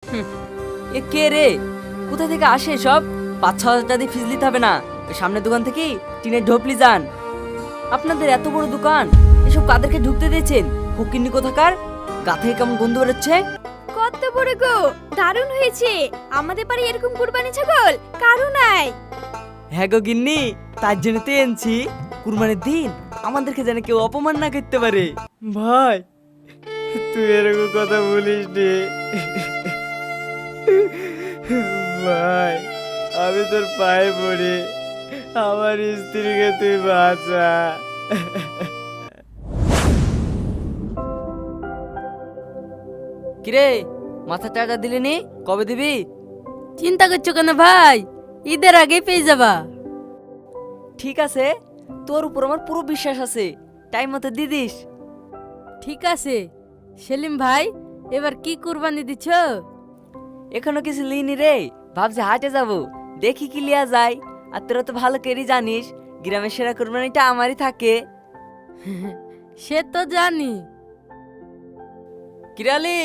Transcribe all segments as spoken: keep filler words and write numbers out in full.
এ কে রে? কোথা থেকে আসে সব? পাঁচ ছ হাজার টাকা দিয়ে ফিস নিতে হবে না, ওই সামনের দোকান থেকে টিনের ঢোপলি যান। আপনাদের এত বড় দোকান, এসব কাদেরকে ঢুকতে দিয়েছেন? ফকিন্নি কোথাকার, গা থেকে কেমন গন্ধ বেরোচ্ছে। কত বড় গো, দারুণ হয়েছে। আমাদের বাড়ি এরকম কুরবানি ছাগল কারো নাই। হ্যাঁ গো গিন্নি, তার জন্য তো এনেছি। কুরবানির দিন আমাদেরকে যেন কেউ অপমান না করতে পারে। ভাই তুই এরকম কথা বলিস নি ভাই, আমি তোর পায়ে পড়ি, আমার স্ত্রীকে তুই বাঁচা। কিরে, মাথার টাকা দিলি নি? কবে দিবি? চিন্তা করছো কেন ভাই, ঈদের আগে পেয়ে যাবা। ঠিক আছে, তোর উপর আমার পুরো বিশ্বাস আছে, টাইম মতো দিয়ে দিস। ঠিক আছে সেলিম ভাই, এবার কি কুরবানি দিচ্ছ? এখনো কিছু লিনি রে, ভাবছি হাটে যাব, দেখি কি লিয়া যায়। আর তোরা তো ভালো করেই জানিস গ্রামের সেরা কুরবানিটা আমারই থাকে। সে তো জানি। কিরালি,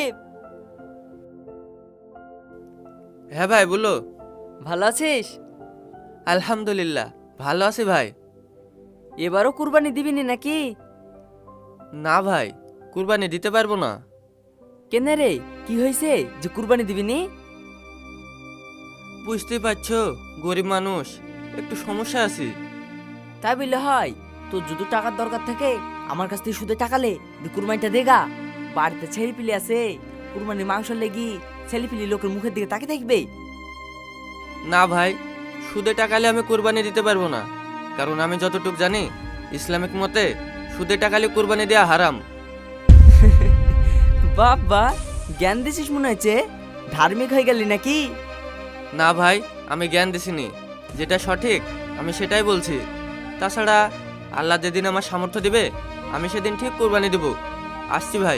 হ্যাঁ ভাই বলো। ভালো আছিস? আলহামদুলিল্লাহ ভালো আছি ভাই। এবারও কুরবানি দিবি নি নাকি? না ভাই, কুরবানি দিতে পারবো না। কেন রে, কি হয়েছে যে কুরবানি দিবি নি? বুঝতেই পারছো, গরিব মানুষ, একটু সমস্যা আছে। তাই বললে হয়? তোর যদি টাকার দরকার থাকে আমার কাছ থেকে সুদে টাকালে দি কুরবানিটা দেগা। বাড়িতে ছেলে পিলি আছে, কুরবানির মাংস লেগি ছেলে পিলি লোকের মুখের দিকে তাকিয়ে থাকবে। না ভাই, সুদে টাকালে আমি কুরবানি দিতে পারবো না, কারণ আমি যতটুকু জানি ইসলামিক মতে সুদে টাকালে কুরবানি দেওয়া হারাম। বাবা, জ্ঞান দিছিস মনে হচ্ছে, ধার্মিক হয়ে গেলি নাকি? না ভাই, আমি জ্ঞান দিছিনি, যেটা সঠিক আমি সেটাই বলছি। তাছাড়া আল্লাহ যেদিন আমার সামর্থ্য দিবে আমি সেদিন ঠিক কুরবানি দেব। আসছি ভাই।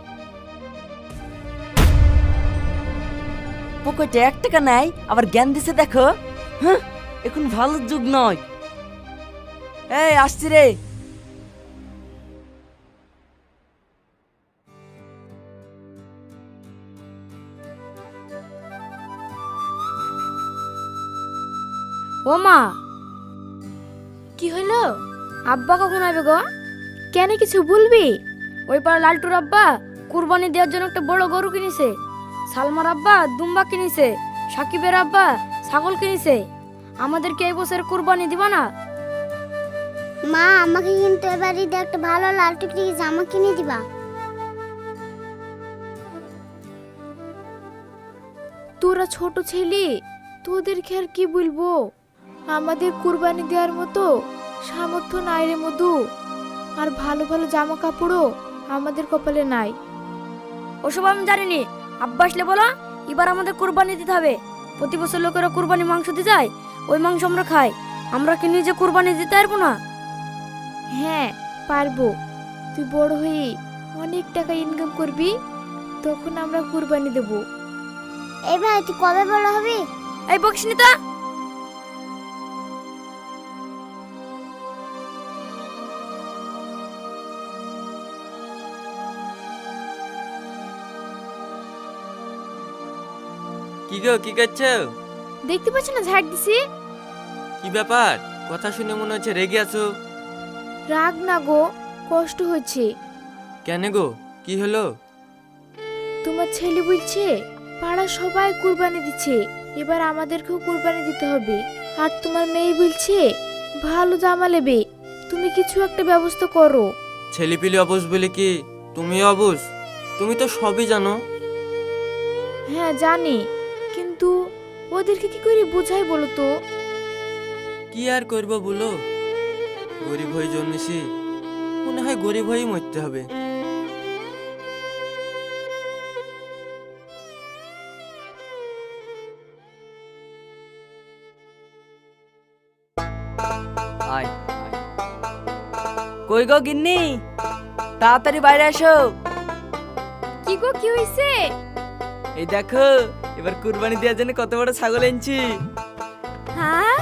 পকেটে এক টাকা নাই, আবার জ্ঞান দিছে দেখো। হ্যাঁ, এখন ভালো যুগ নয়। এই আসছি রে। ও মা, কি হলো? আব্বা কখন আসবে গো? কেন কিছু বলবি? ওই পাড়া লালটুর আব্বা কুরবানি দেওয়ার জন্য একটা বড় গরু কিনেছে, সালমার আব্বা দুম্বা কিনেছে, সাকিবের আব্বা ছাগল কিনেছে। আমাদেরকে এই বছর কুরবানি দিবা না? মা, আমাকে কিন্তু এবার ঈদে একটা ভালো লাল টুকরি জামা কিনে দিবা। তোরা ছোট ছেলে, তোদেরকে আর কি বলবো, আমাদের কুরবানি দেওয়ার মতো সামর্থ্য নাই রে মধু। আর ভালো ভালো জামা কাপড়ও আমাদের কপালে নাই। ওসব আমি জানিনি, আব্বা আসলে বলো এবার আমাদের কুরবানি দিতে হবে। প্রতি বছর লোকেরা কুরবানি মাংস দিয়ে যায়, ওই মাংস আমরা খাই। আমরা কি নিজে কুরবানি দিতে পারবো না? হ্যাঁ পারবো, তুই বড় হয়ে অনেক টাকা ইনকাম করবি, তখন আমরা কুরবানি দেব। এই ভাই, তুই কবে বড় হবি? এই বকিস নি তো। কি গো, কি করছো? দেখতে পাচ্ছ না ঝাড় দিছি। কি ব্যাপার, কথা শুনে মনে হচ্ছে রেগে আছো। রাগ না গো, কষ্ট হচ্ছে। কেন গো, কি হলো? তোমার ছেলে বলছে পাড়া সবাই কুরবানি দিচ্ছে, এবার আমাদেরকেও কুরবানি দিতে হবে। আর তোমার মেয়ে বলছে ভালো জামা নেবে, তুমি কিছু একটা ব্যবস্থা করো। ছেলেপিলে অবুঝ বলে কি তুমিও অবুঝ? তুমি তো সবই জানো। হ্যাঁ জানি, কিন্তু ওদেরকে কি করে বোঝাই বলো তো? কি আর করবো বলো, গরিব হয়ে জন্মেছি, মনে হয় গরিব হয়েই মরতে হবে। আয়, কই গো গিন্নি, তাড়াতাড়ি বাইরে আসো। কি গো, কি হইছে? এই দেখো, এবার কুরবানি দেওয়ার জন্য কত বড় ছাগল এনেছি। হ্যাঁ,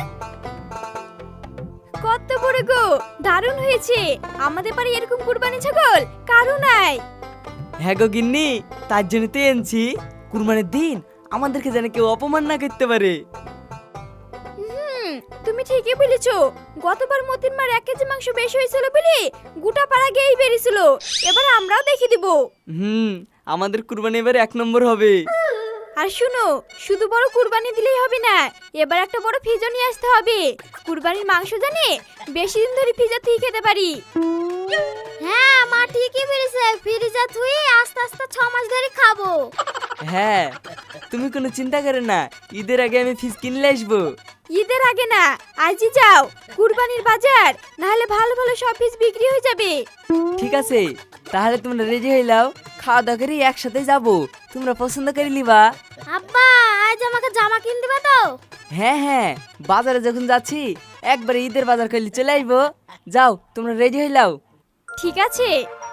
কত বড় গো, দারুণ হয়েছে। আমাদের বাড়ি এরকম কুরবানি ছাগল কারো নাই। হ্যাঁ গো গিন্নি, তার জন্য তো এনেছি। কুরবানির দিন আমাদেরকে যেন কেউ অপমান না করতে পারে। হুম, তুমি ঠিকই বলেছো। গতবার মতিন মার এক কেজি মাংস বেশি হয়েছিল বলে গোটা পাড়া গেই বেরিয়েছিল। এবার আমরাও দেখিয়ে দিব। হুম, আমাদের কুরবানি এবার এক নম্বর হবে। আর শুনো, শুধু বড় কুরবানি দিলেই হবে না, এবার একটা বড় ফ্রিজও নিয়ে আসতে হবে। কুরবানির মাংস জানে বেশি দিন ধরে ফ্রিজে থেকে খেতে পারি। হ্যাঁ মা ঠিকই বলেছে, ফ্রিজে থুই আস্তে আস্তে ছ মাস ধরে খাবো। হ্যাঁ, তুমি কোনো চিন্তা করে না, ঈদের আগে আমি ফিস কিনলে আসবো। ঈদের আগে না, আজই যাও। কুরবানির বাজার, নাহলে ভালো ভালো সব ফিজ বিক্রি হয়ে যাবে। ঠিক আছে, তাহলে তোমরা রেডি হয়ে নাও, খাওয়া দাওয়া করে একসাথে যাবো। তোমরা পছন্দ করে নিবা। আব্বা আজ আমাকে জামা কিনে দিবা তো? হ্যাঁ হ্যাঁ, বাজারে যখন যাচ্ছি একবারে ঈদের বাজার করলে চলে আসবো। যাও, তোমরা রেডি হয়ে নাও। ঠিক আছে।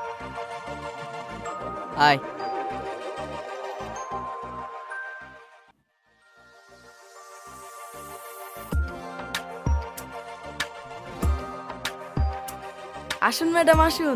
আয়। আসুন ম্যাডাম আসুন।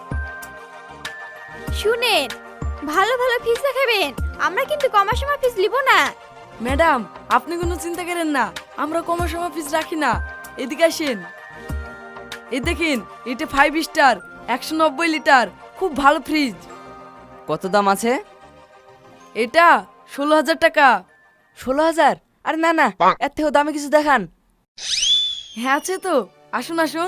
শুনেন, ভালো ভালো ফিজ দেখাবেন, আমরা কিন্তু কমার সময় ফিজ নিব না। ম্যাডাম আপনি কোনো চিন্তা করেন না, আমরা কমার সময় ফিস রাখি না। এদিকে আসেন, এই দেখেন এটা ফাইভ স্টার একশো নব্বই লিটার খুব ভালো ফ্রিজ। কত দাম আছে? এটা ষোলো হাজার টাকা। ষোলো হাজার? আরে না না, এর থেকেও দামে কিছু দেখান। হ্যাঁ আছে তো, আসুন আসুন।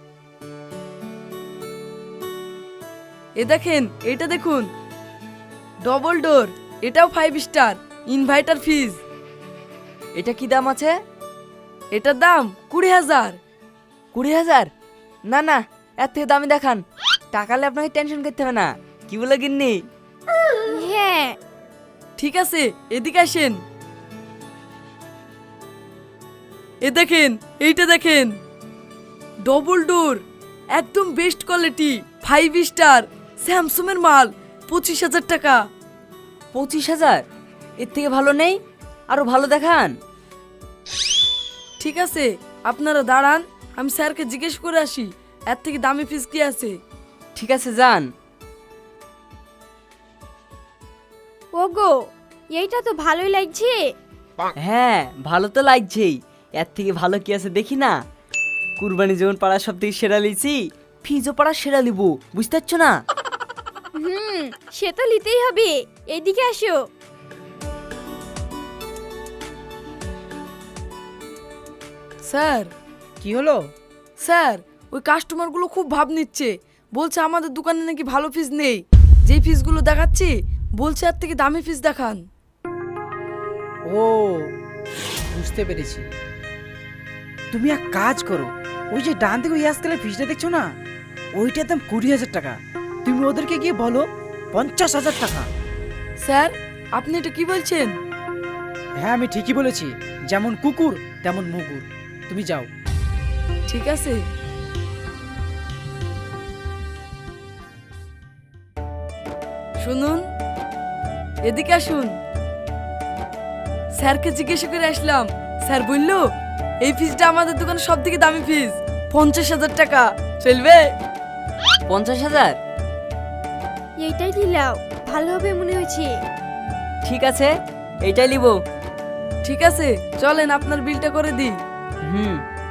এ দেখেন এটা দেখুন, ডবল ডোর, এটাও ফাইভ স্টার ইনভার্টার ফ্রিজ। এটা কি দাম আছে? এটার দাম কুড়ি হাজার। কুড়ি হাজার? না না, এর থেকে দামি দেখান। টাকালে আপনাকে টেনশন করতে হবে না। কি বলে গিন্নি? হ্যাঁ ঠিক আছে, এদিকে আসেন। এ দেখেন এইটা দেখেন, ডবল ডোর, একদম best quality, five star, Samsung এর মাল, পঁচিশ হাজার টাকা। পঁচিশ হাজার? এর থেকে ভালো নেই? আরো ভালো দেখান। ঠিক আছে, আপনারা দাঁড়ান, আমি স্যারকে জিজ্ঞেস করে আসি এর থেকে দামি ফিস কি আছে। ঠিক আছে, যান। ওগো, এইটা তো ভালোই লাগছে। হ্যাঁ, ভালো তো লাগছেই। এর থেকে ভালো কি আছে দেখি না। কুরবানি যেমন পাড়া সব থেকে সেরা লিছি, ফিজও পাড়া সেরা লিব, বুঝতে পারছো না? হুম, সে তো নিতেই হবে। এদিকে আসো। স্যার কি হলো? স্যার ওই কাস্টমারগুলো খুব ভাব নিচ্ছে, বলছে আমাদের দোকানে নাকি ভালো ফিস নেই। যেই ফিসগুলো দেখাচ্ছি বলছে এর থেকে দামি ফিস দেখান। ও বুঝতে পেরেছি। তুমি এক কাজ করো, ওই যে ডান দিকে ওই আজকালের ফিসটা দেখছো না, ওইটার দাম কুড়ি হাজার টাকা। তুমি ওদেরকে গিয়ে বলো পঞ্চাশ হাজার টাকা। স্যার আপনি এটা কি বলছেন? হ্যাঁ আমি ঠিকই বলেছি, যেমন কুকুর তেমন মুগুর। তুমি যাও। ঠিক আছে। শুনুন, এদিকে আসুন। স্যারকে জিজ্ঞাসা করে আসলাম, স্যার বললো এই ফিজটা আমাদের দোকানে সব থেকে দামি ফিজ, পঞ্চাশ হাজার টাকা। চলবে? পঞ্চাশ হাজার? এইটাই দিলাও, ভালো হবে মনে হচ্ছে। ঠিক আছে, এইটাই লিব। ঠিক আছে, চলেন আপনার বিলটা করে দিই। হুম।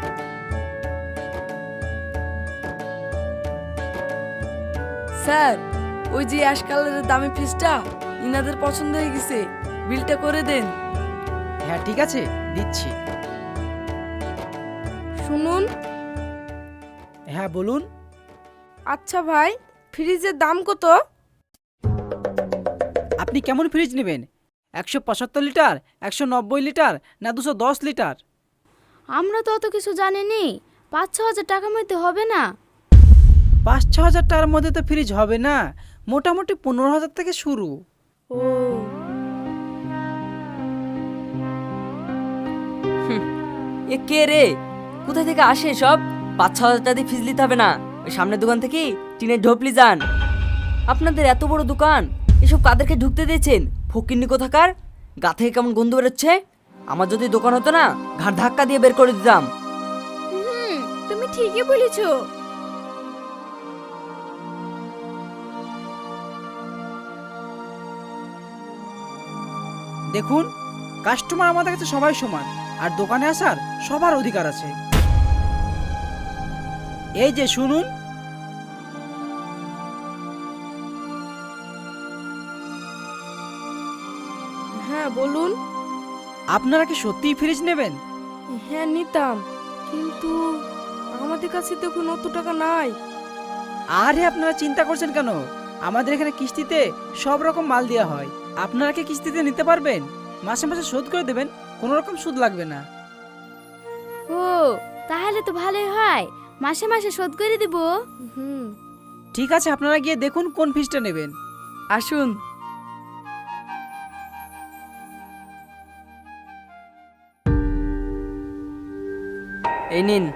স্যার ওই যে অ্যাশ কালারের দামি ফিজটা ইনাদের পছন্দ হয়ে গেছে, বিলটা করে দেন। হ্যাঁ ঠিক আছে, দিচ্ছি। শুনুন। হ্যাঁ বলুন। আচ্ছা ভাই, ফ্রিজের দাম কত? আপনি কেমন ফ্রিজ নেবেন? একশো পঁচাত্তর লিটার, একশো নব্বই লিটার, না দুশো দশ লিটার? আমরা তো অত কিছু জানিনি, পাঁচ ছ হাজার টাকার মধ্যে হবে না? পাঁচ ছ হাজার টাকার মধ্যে তো ফ্রিজ হবে না, মোটামুটি পনেরো হাজার থেকে শুরু। ও এ কে রে? কোথা থেকে আসে সব? পাঁচ ছ হাজার টাকা দিয়ে ফিজ নিতে হবে না, ওই সামনের দোকান থেকে টিনের ঢোপলি যান। আপনাদের এত বড় দোকান, এসব কাদেরকে ঢুকতে দিয়েছেন? ফকিন্নি কোথাকার, গা থেকে কেমন গন্ধ বেরোচ্ছে। আমার যদি দোকান হতো না, ঘাড় ধাক্কা দিয়ে বের করে দিতাম। হুম, তুমি ঠিকই বলেছো। দেখুন, কাস্টমার আমাদের কাছে সবাই সমান, আর দোকানে আসার সবার অধিকার আছে। এই যে শুনুন, হ্যাঁ বলুন। আপনারা কি সত্যিই ফ্রিজ নেবেন? হ্যাঁ নিতাম, কিন্তু আমাদের কাছে তো এখন অত টাকা নাই। আরে আপনারা চিন্তা করছেন কেন? আমাদের এখানে কিস্তিতে সব রকম মাল দেওয়া হয়। আপনারা কি কিস্তিতে নিতে পারবেন? মাসে মাসে শোধ করে দেবেন, কোনো রকম সুদ লাগবে না। ও তাহলে তো ভালোই হয়, মাসে মাসে শোধ করে দিব। হুম, ঠিক আছে, আপনারা গিয়ে দেখুন কোন ফ্রিজটা নেবেন। আসুন। এই নিন।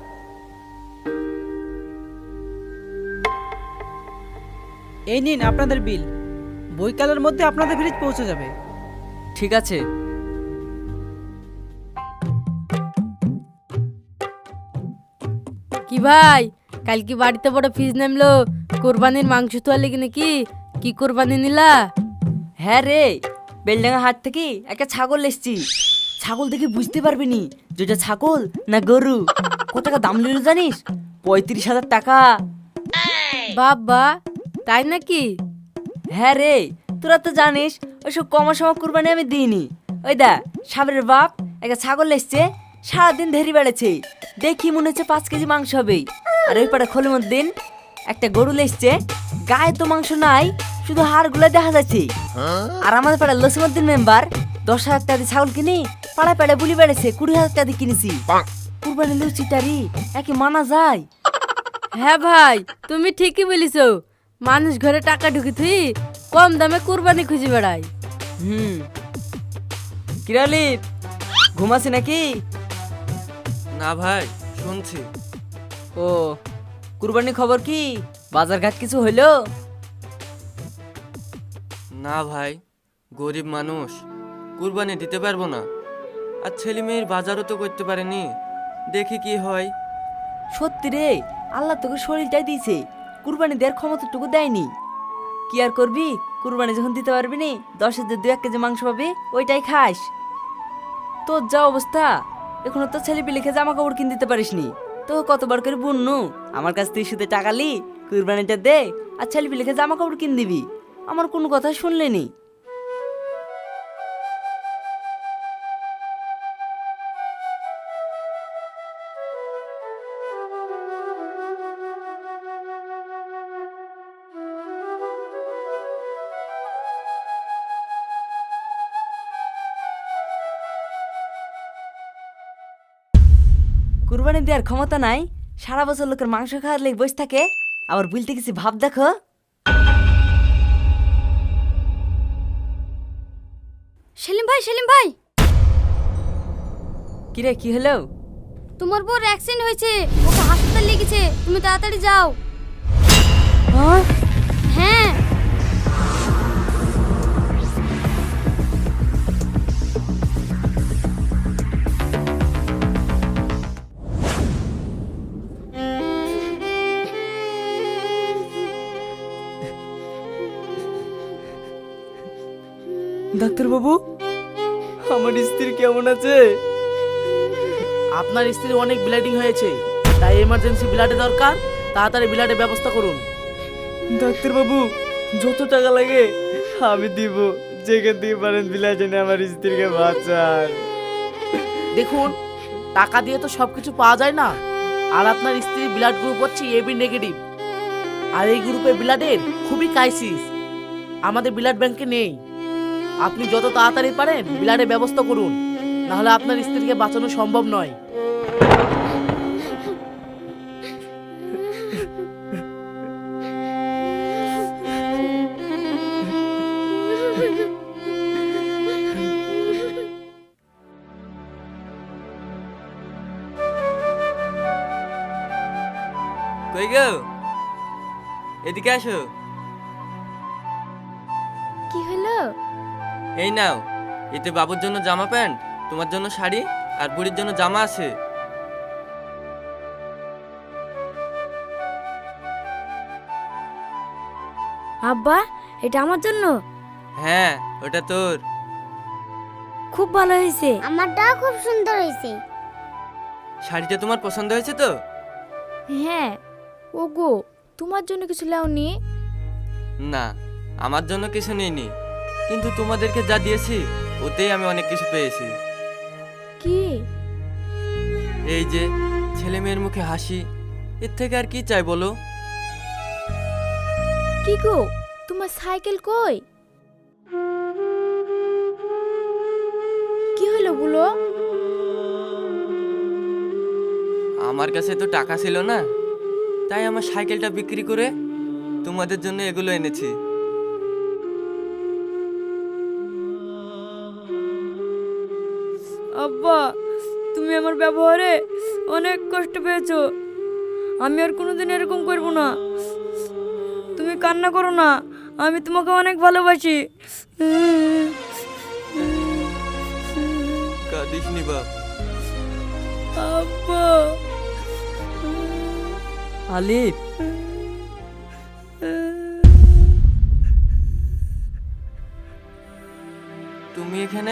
এই নিন আপনাদের বিল। বৈকালের মধ্যে আপনাদের ফ্রিজ পৌঁছে যাবে। ঠিক আছে। কি ভাই, কাল কি বাড়িতে বড় ফিজ নামলো? কোরবানির মাংস তো আলে নাকি? কি কোরবানি নিলা? হ্যাঁ রে, বেলডাঙ্গা হাট থেকে একটা ছাগল এসছি। ছাগল দেখে বুঝতে পারবি নি যেটা ছাগল না গরু। কত টাকা দাম নিল জানিস? পঁয়ত্রিশ হাজার টাকা। বাবা, তাই নাকি? হ্যাঁ রে, তোরা তো জানিস ওইসব কমা সমা কুরবানি আমি দিইনি। ওই দা সাবরের বাপ একটা ছাগল এসছে, সারাদিন ধেরি বেড়েছে। দেখি মনে হচ্ছে পাঁচ কেজি মাংস হবে। আর ওই পাড়া খোলের দিন একটা গরু এসছে, গায়ে তো মাংস নাই, শুধু হাড়গুলো দেখা যাচ্ছে। আর আমাদের পাড়ার লসিমুদ্দিন মেম্বার দশ হাজার টাকা দিয়ে ছাগল কিনে পাড়ায় পাড়ায় বুলি বেড়েছে, কুড়ি হাজার টাকা দিয়ে কিনেছি। কুরবানি লুচিটারি একে মানা যায়? হ্যাঁ ভাই, তুমি ঠিকই বলিছো। মানুষ ঘরে টাকা ঢুকি থুই কম দামে কুরবানি খুঁজে বেড়ায়। হুম, কিরালি ঘুমাছি নাকি? না ভাই, শুনছি। ও, কুরবানি খবর কি? বাজার ঘাট কিছু হইলো? না ভাই, গরিব মানুষ, কুরবানি দিতে পারবো না। আর ছেলে মেয়ের বাজারও তো করতে পারেনি, দেখি কি হয়। সত্যি রে, আল্লাহ তোকে শরীরটাই দিয়েছে, কুরবানি দেওয়ার ক্ষমতাটুকু দেয়নি। কি আর করবি, কুরবানি যখন দিতে পারবি নি, দশ হাজার দু এক কেজি মাংস পাবি, ওইটাই খাস। তোর যা অবস্থা, এখনো তো ছেলে পিলিকে জামা কাপড় কিনে দিতে পারিস নি। তো কতবার করে বুননু আমার কাছ থেকে শুধু টাকা লি, কুরবানিটা দে, আর ছেলে পিলিকে জামা কাপড় কিনে দিবি। আমার কোনো কথা শুনলেনি। কুরবানি দেওয়ার ক্ষমতা নাই, সারা বছর লোকের মাংস খাওয়ার লেগে বসে থাকে, আবার বলতে গেছি ভাব দেখো। সেলিম ভাই, সেলিম ভাই, কিরে কি হলো? তোমার বউর অ্যাক্সিডেন্ট হয়েছে, ওকে হাসপাতাল লেগেছে, তুমি তাড়াতাড়ি যাও। হ্যাঁ? হ্যাঁ। ডাক্তার বাবু, আমার স্ত্রী কেমন আছে? আপনার স্ত্রী অনেক ব্লিডিং হয়েছে, তাই এমার্জেন্সি ব্লাডে দরকার। তাড়াতাড়ি ব্লাডের ব্যবস্থা করুন। ডাক্তার বাবু, যত টাকা লাগে আমি দিব, যেখান দিয়ে পারেন বিলাস এনে আমার স্ত্রীকে বাঁচান। দেখুন, টাকা দিয়ে তো সবকিছু পাওয়া যায় না। আর আপনার স্ত্রীর ব্লাড গ্রুপ হচ্ছে এবি নেগেটিভ, আর এই গ্রুপে ব্লাডের খুবই ক্রাইসিস, আমাদের ব্লাড ব্যাংকে নেই। আপনি যত তাড়াতাড়ি পারেন ব্লাডের ব্যবস্থা করুন, নাহলে আপনার স্ত্রীকে বাঁচানো সম্ভব নয়। কই গো, এদিকে আসো। কি হলো? এই নাও, এতে বাবুর জন্য জামা প্যান্ট, তোমার জন্য শাড়ি, আর বুড়ির জন্য জামা আছে। আব্বা, এটা আমার জন্য? হ্যাঁ, ওটা তোর। খুব ভালো হয়েছে। আমারটাও খুব সুন্দর হয়েছে। শাড়িটা তোমার পছন্দ হয়েছে তো? হ্যাঁ। ওগো, তোমার জন্য কিছু লাওনি? না, আমার জন্য কিছু নেইনি, কিন্তু তোমাদেরকে যা দিয়েছি ওতেই আমি অনেক কিছু পেয়েছি। কি? এই যে ছেলে মেয়ের মুখে হাসি, এর থেকে আর কি চাই বলো? কি গো, তোমার সাইকেল কই? কি হলো বলো? আমার কাছে তো টাকা ছিল না, তাই আমার সাইকেলটা বিক্রি করে তোমাদের জন্য এগুলো এনেছি। আব্বা, তুমি আমার ব্যবহারে অনেক কষ্ট পেয়েছো। আমি আর কোনোদিন এরকম করব না। তুমি কান্না করো না, আমি তোমাকে অনেক ভালোবাসি। কাঁদিস নি বাপ। আব্বা। আলিফ, তুমি এখানে?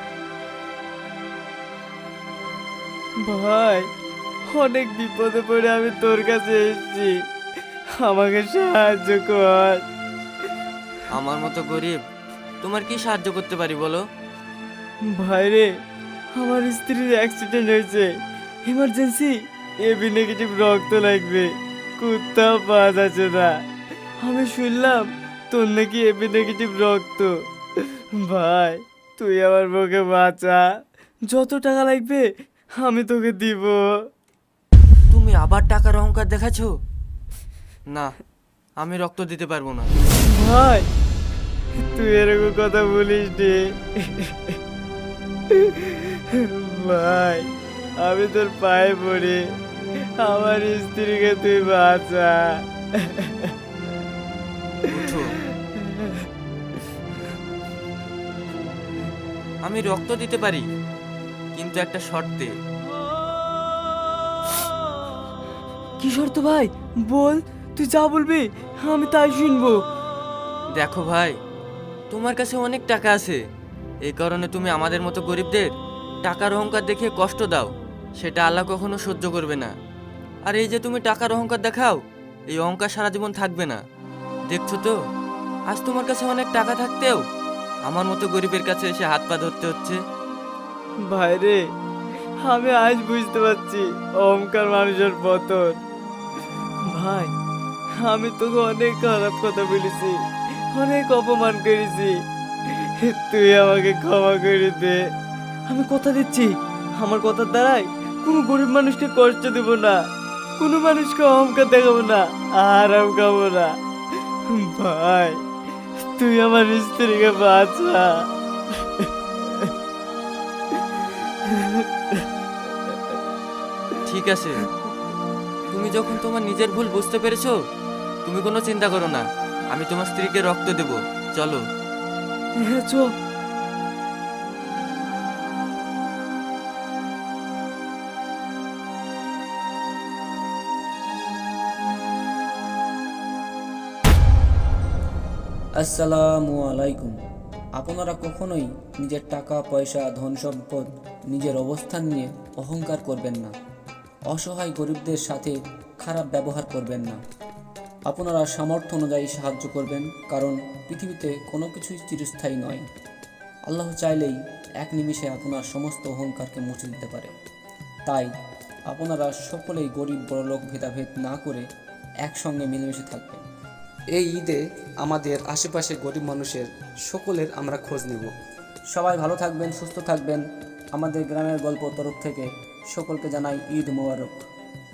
ভাই অনেক বিপদে পড়ে আমি তোর কাছে এসেছি, আমাকে সাহায্য কর। আমার মতো গরিব তোমার কি সাহায্য করতে পারি বলো? ভাই রে, আমার স্ত্রীর অ্যাক্সিডেন্ট হয়েছে, ইমার্জেন্সি এবি নেগেটিভ রক্ত লাগবে, কোথাও পাওয়া যাচ্ছে না। আমি শুনলাম তোর নাকি এবি নেগেটিভ রক্ত। ভাই তুই আমার বউকে বাঁচা, যত টাকা লাগবে আমি তোকে দিব। তুমি আবার টাকার অহংকার দেখাচ্ছো? না, আমি রক্ত দিতে পারবো না। ভাই তুই এরকম কথা বলিস রে। ভাই আমি তোর পায়ে পড়ি, আমার স্ত্রীকে তুই বাঁচা। উঠো। আমি রক্ত দিতে পারি, কিন্তু একটা শর্তে। কি শর্ত ভাই বল, তুই যা বলবি আমি তাই শুনবো। দেখো ভাই, তোমার কাছে অনেক টাকা আছে, এই কারণে তুমি আমাদের মতো গরিবদের টাকার অহংকার দেখিয়ে কষ্ট দাও, সেটা আল্লাহ কখনো সহ্য করবে না। আর এই যে তুমি টাকার অহংকার দেখাও, এই অহংকার সারা জীবন থাকবে না। দেখছো তো, আজ তোমার কাছে অনেক টাকা থাকতেও আমার মতো গরিবের কাছে এসে হাত পা ধরতে হচ্ছে। ভাই রে, আমি আজ বুঝতে পারছি অহংকার মানুষের পতন। ভাই আমি তোকে অনেক খারাপ কথা বলেছি, অনেক অপমান করেছি, তুই আমাকে ক্ষমা করে দে। আমি কথা দিচ্ছি, আমার কথার দ্বারাই কোনো গরিব মানুষকে কষ্ট দেব না, কোনো মানুষকে অহংকার দেখাবো না, আরাম খাবো না। ভাই তুই আমার স্ত্রীকে বাঁচা। ঠিক আছে, তুমি যখন তোমার নিজের ভুল বুঝতে পেরেছো, তুমি কোনো চিন্তা করো না, আমি তোমার স্ত্রীকে রক্ত দেব। চলো। হ্যাঁ চল। আসসালামু আলাইকুম। আপনারা কখনোই নিজের টাকা পয়সা ধন সম্পদ নিজের অবস্থান নিয়ে অহংকার করবেন না, অসহায় গরিবদের সাথে খারাপ ব্যবহার করবেন না। আপনারা সামর্থ্য অনুযায়ী সাহায্য করবেন, কারণ পৃথিবীতে কোনো কিছুই চিরস্থায়ী নয়। আল্লাহ চাইলেই এক নিমিষে আপনার সমস্ত অহংকারকে মুছে দিতে পারে। তাই আপনারা সকলেই গরিব বড়লোক ভেদাভেদ না করে একসঙ্গে মিলেমিশে থাকবেন। এই ঈদে আমাদের আশেপাশে গরিব মানুষের সকলের আমরা খোঁজ নেব। সবাই ভালো থাকবেন, সুস্থ থাকবেন। আমাদের গ্রামের গল্প তরফ থেকে সকলকে জানাই ঈদ মোবারক।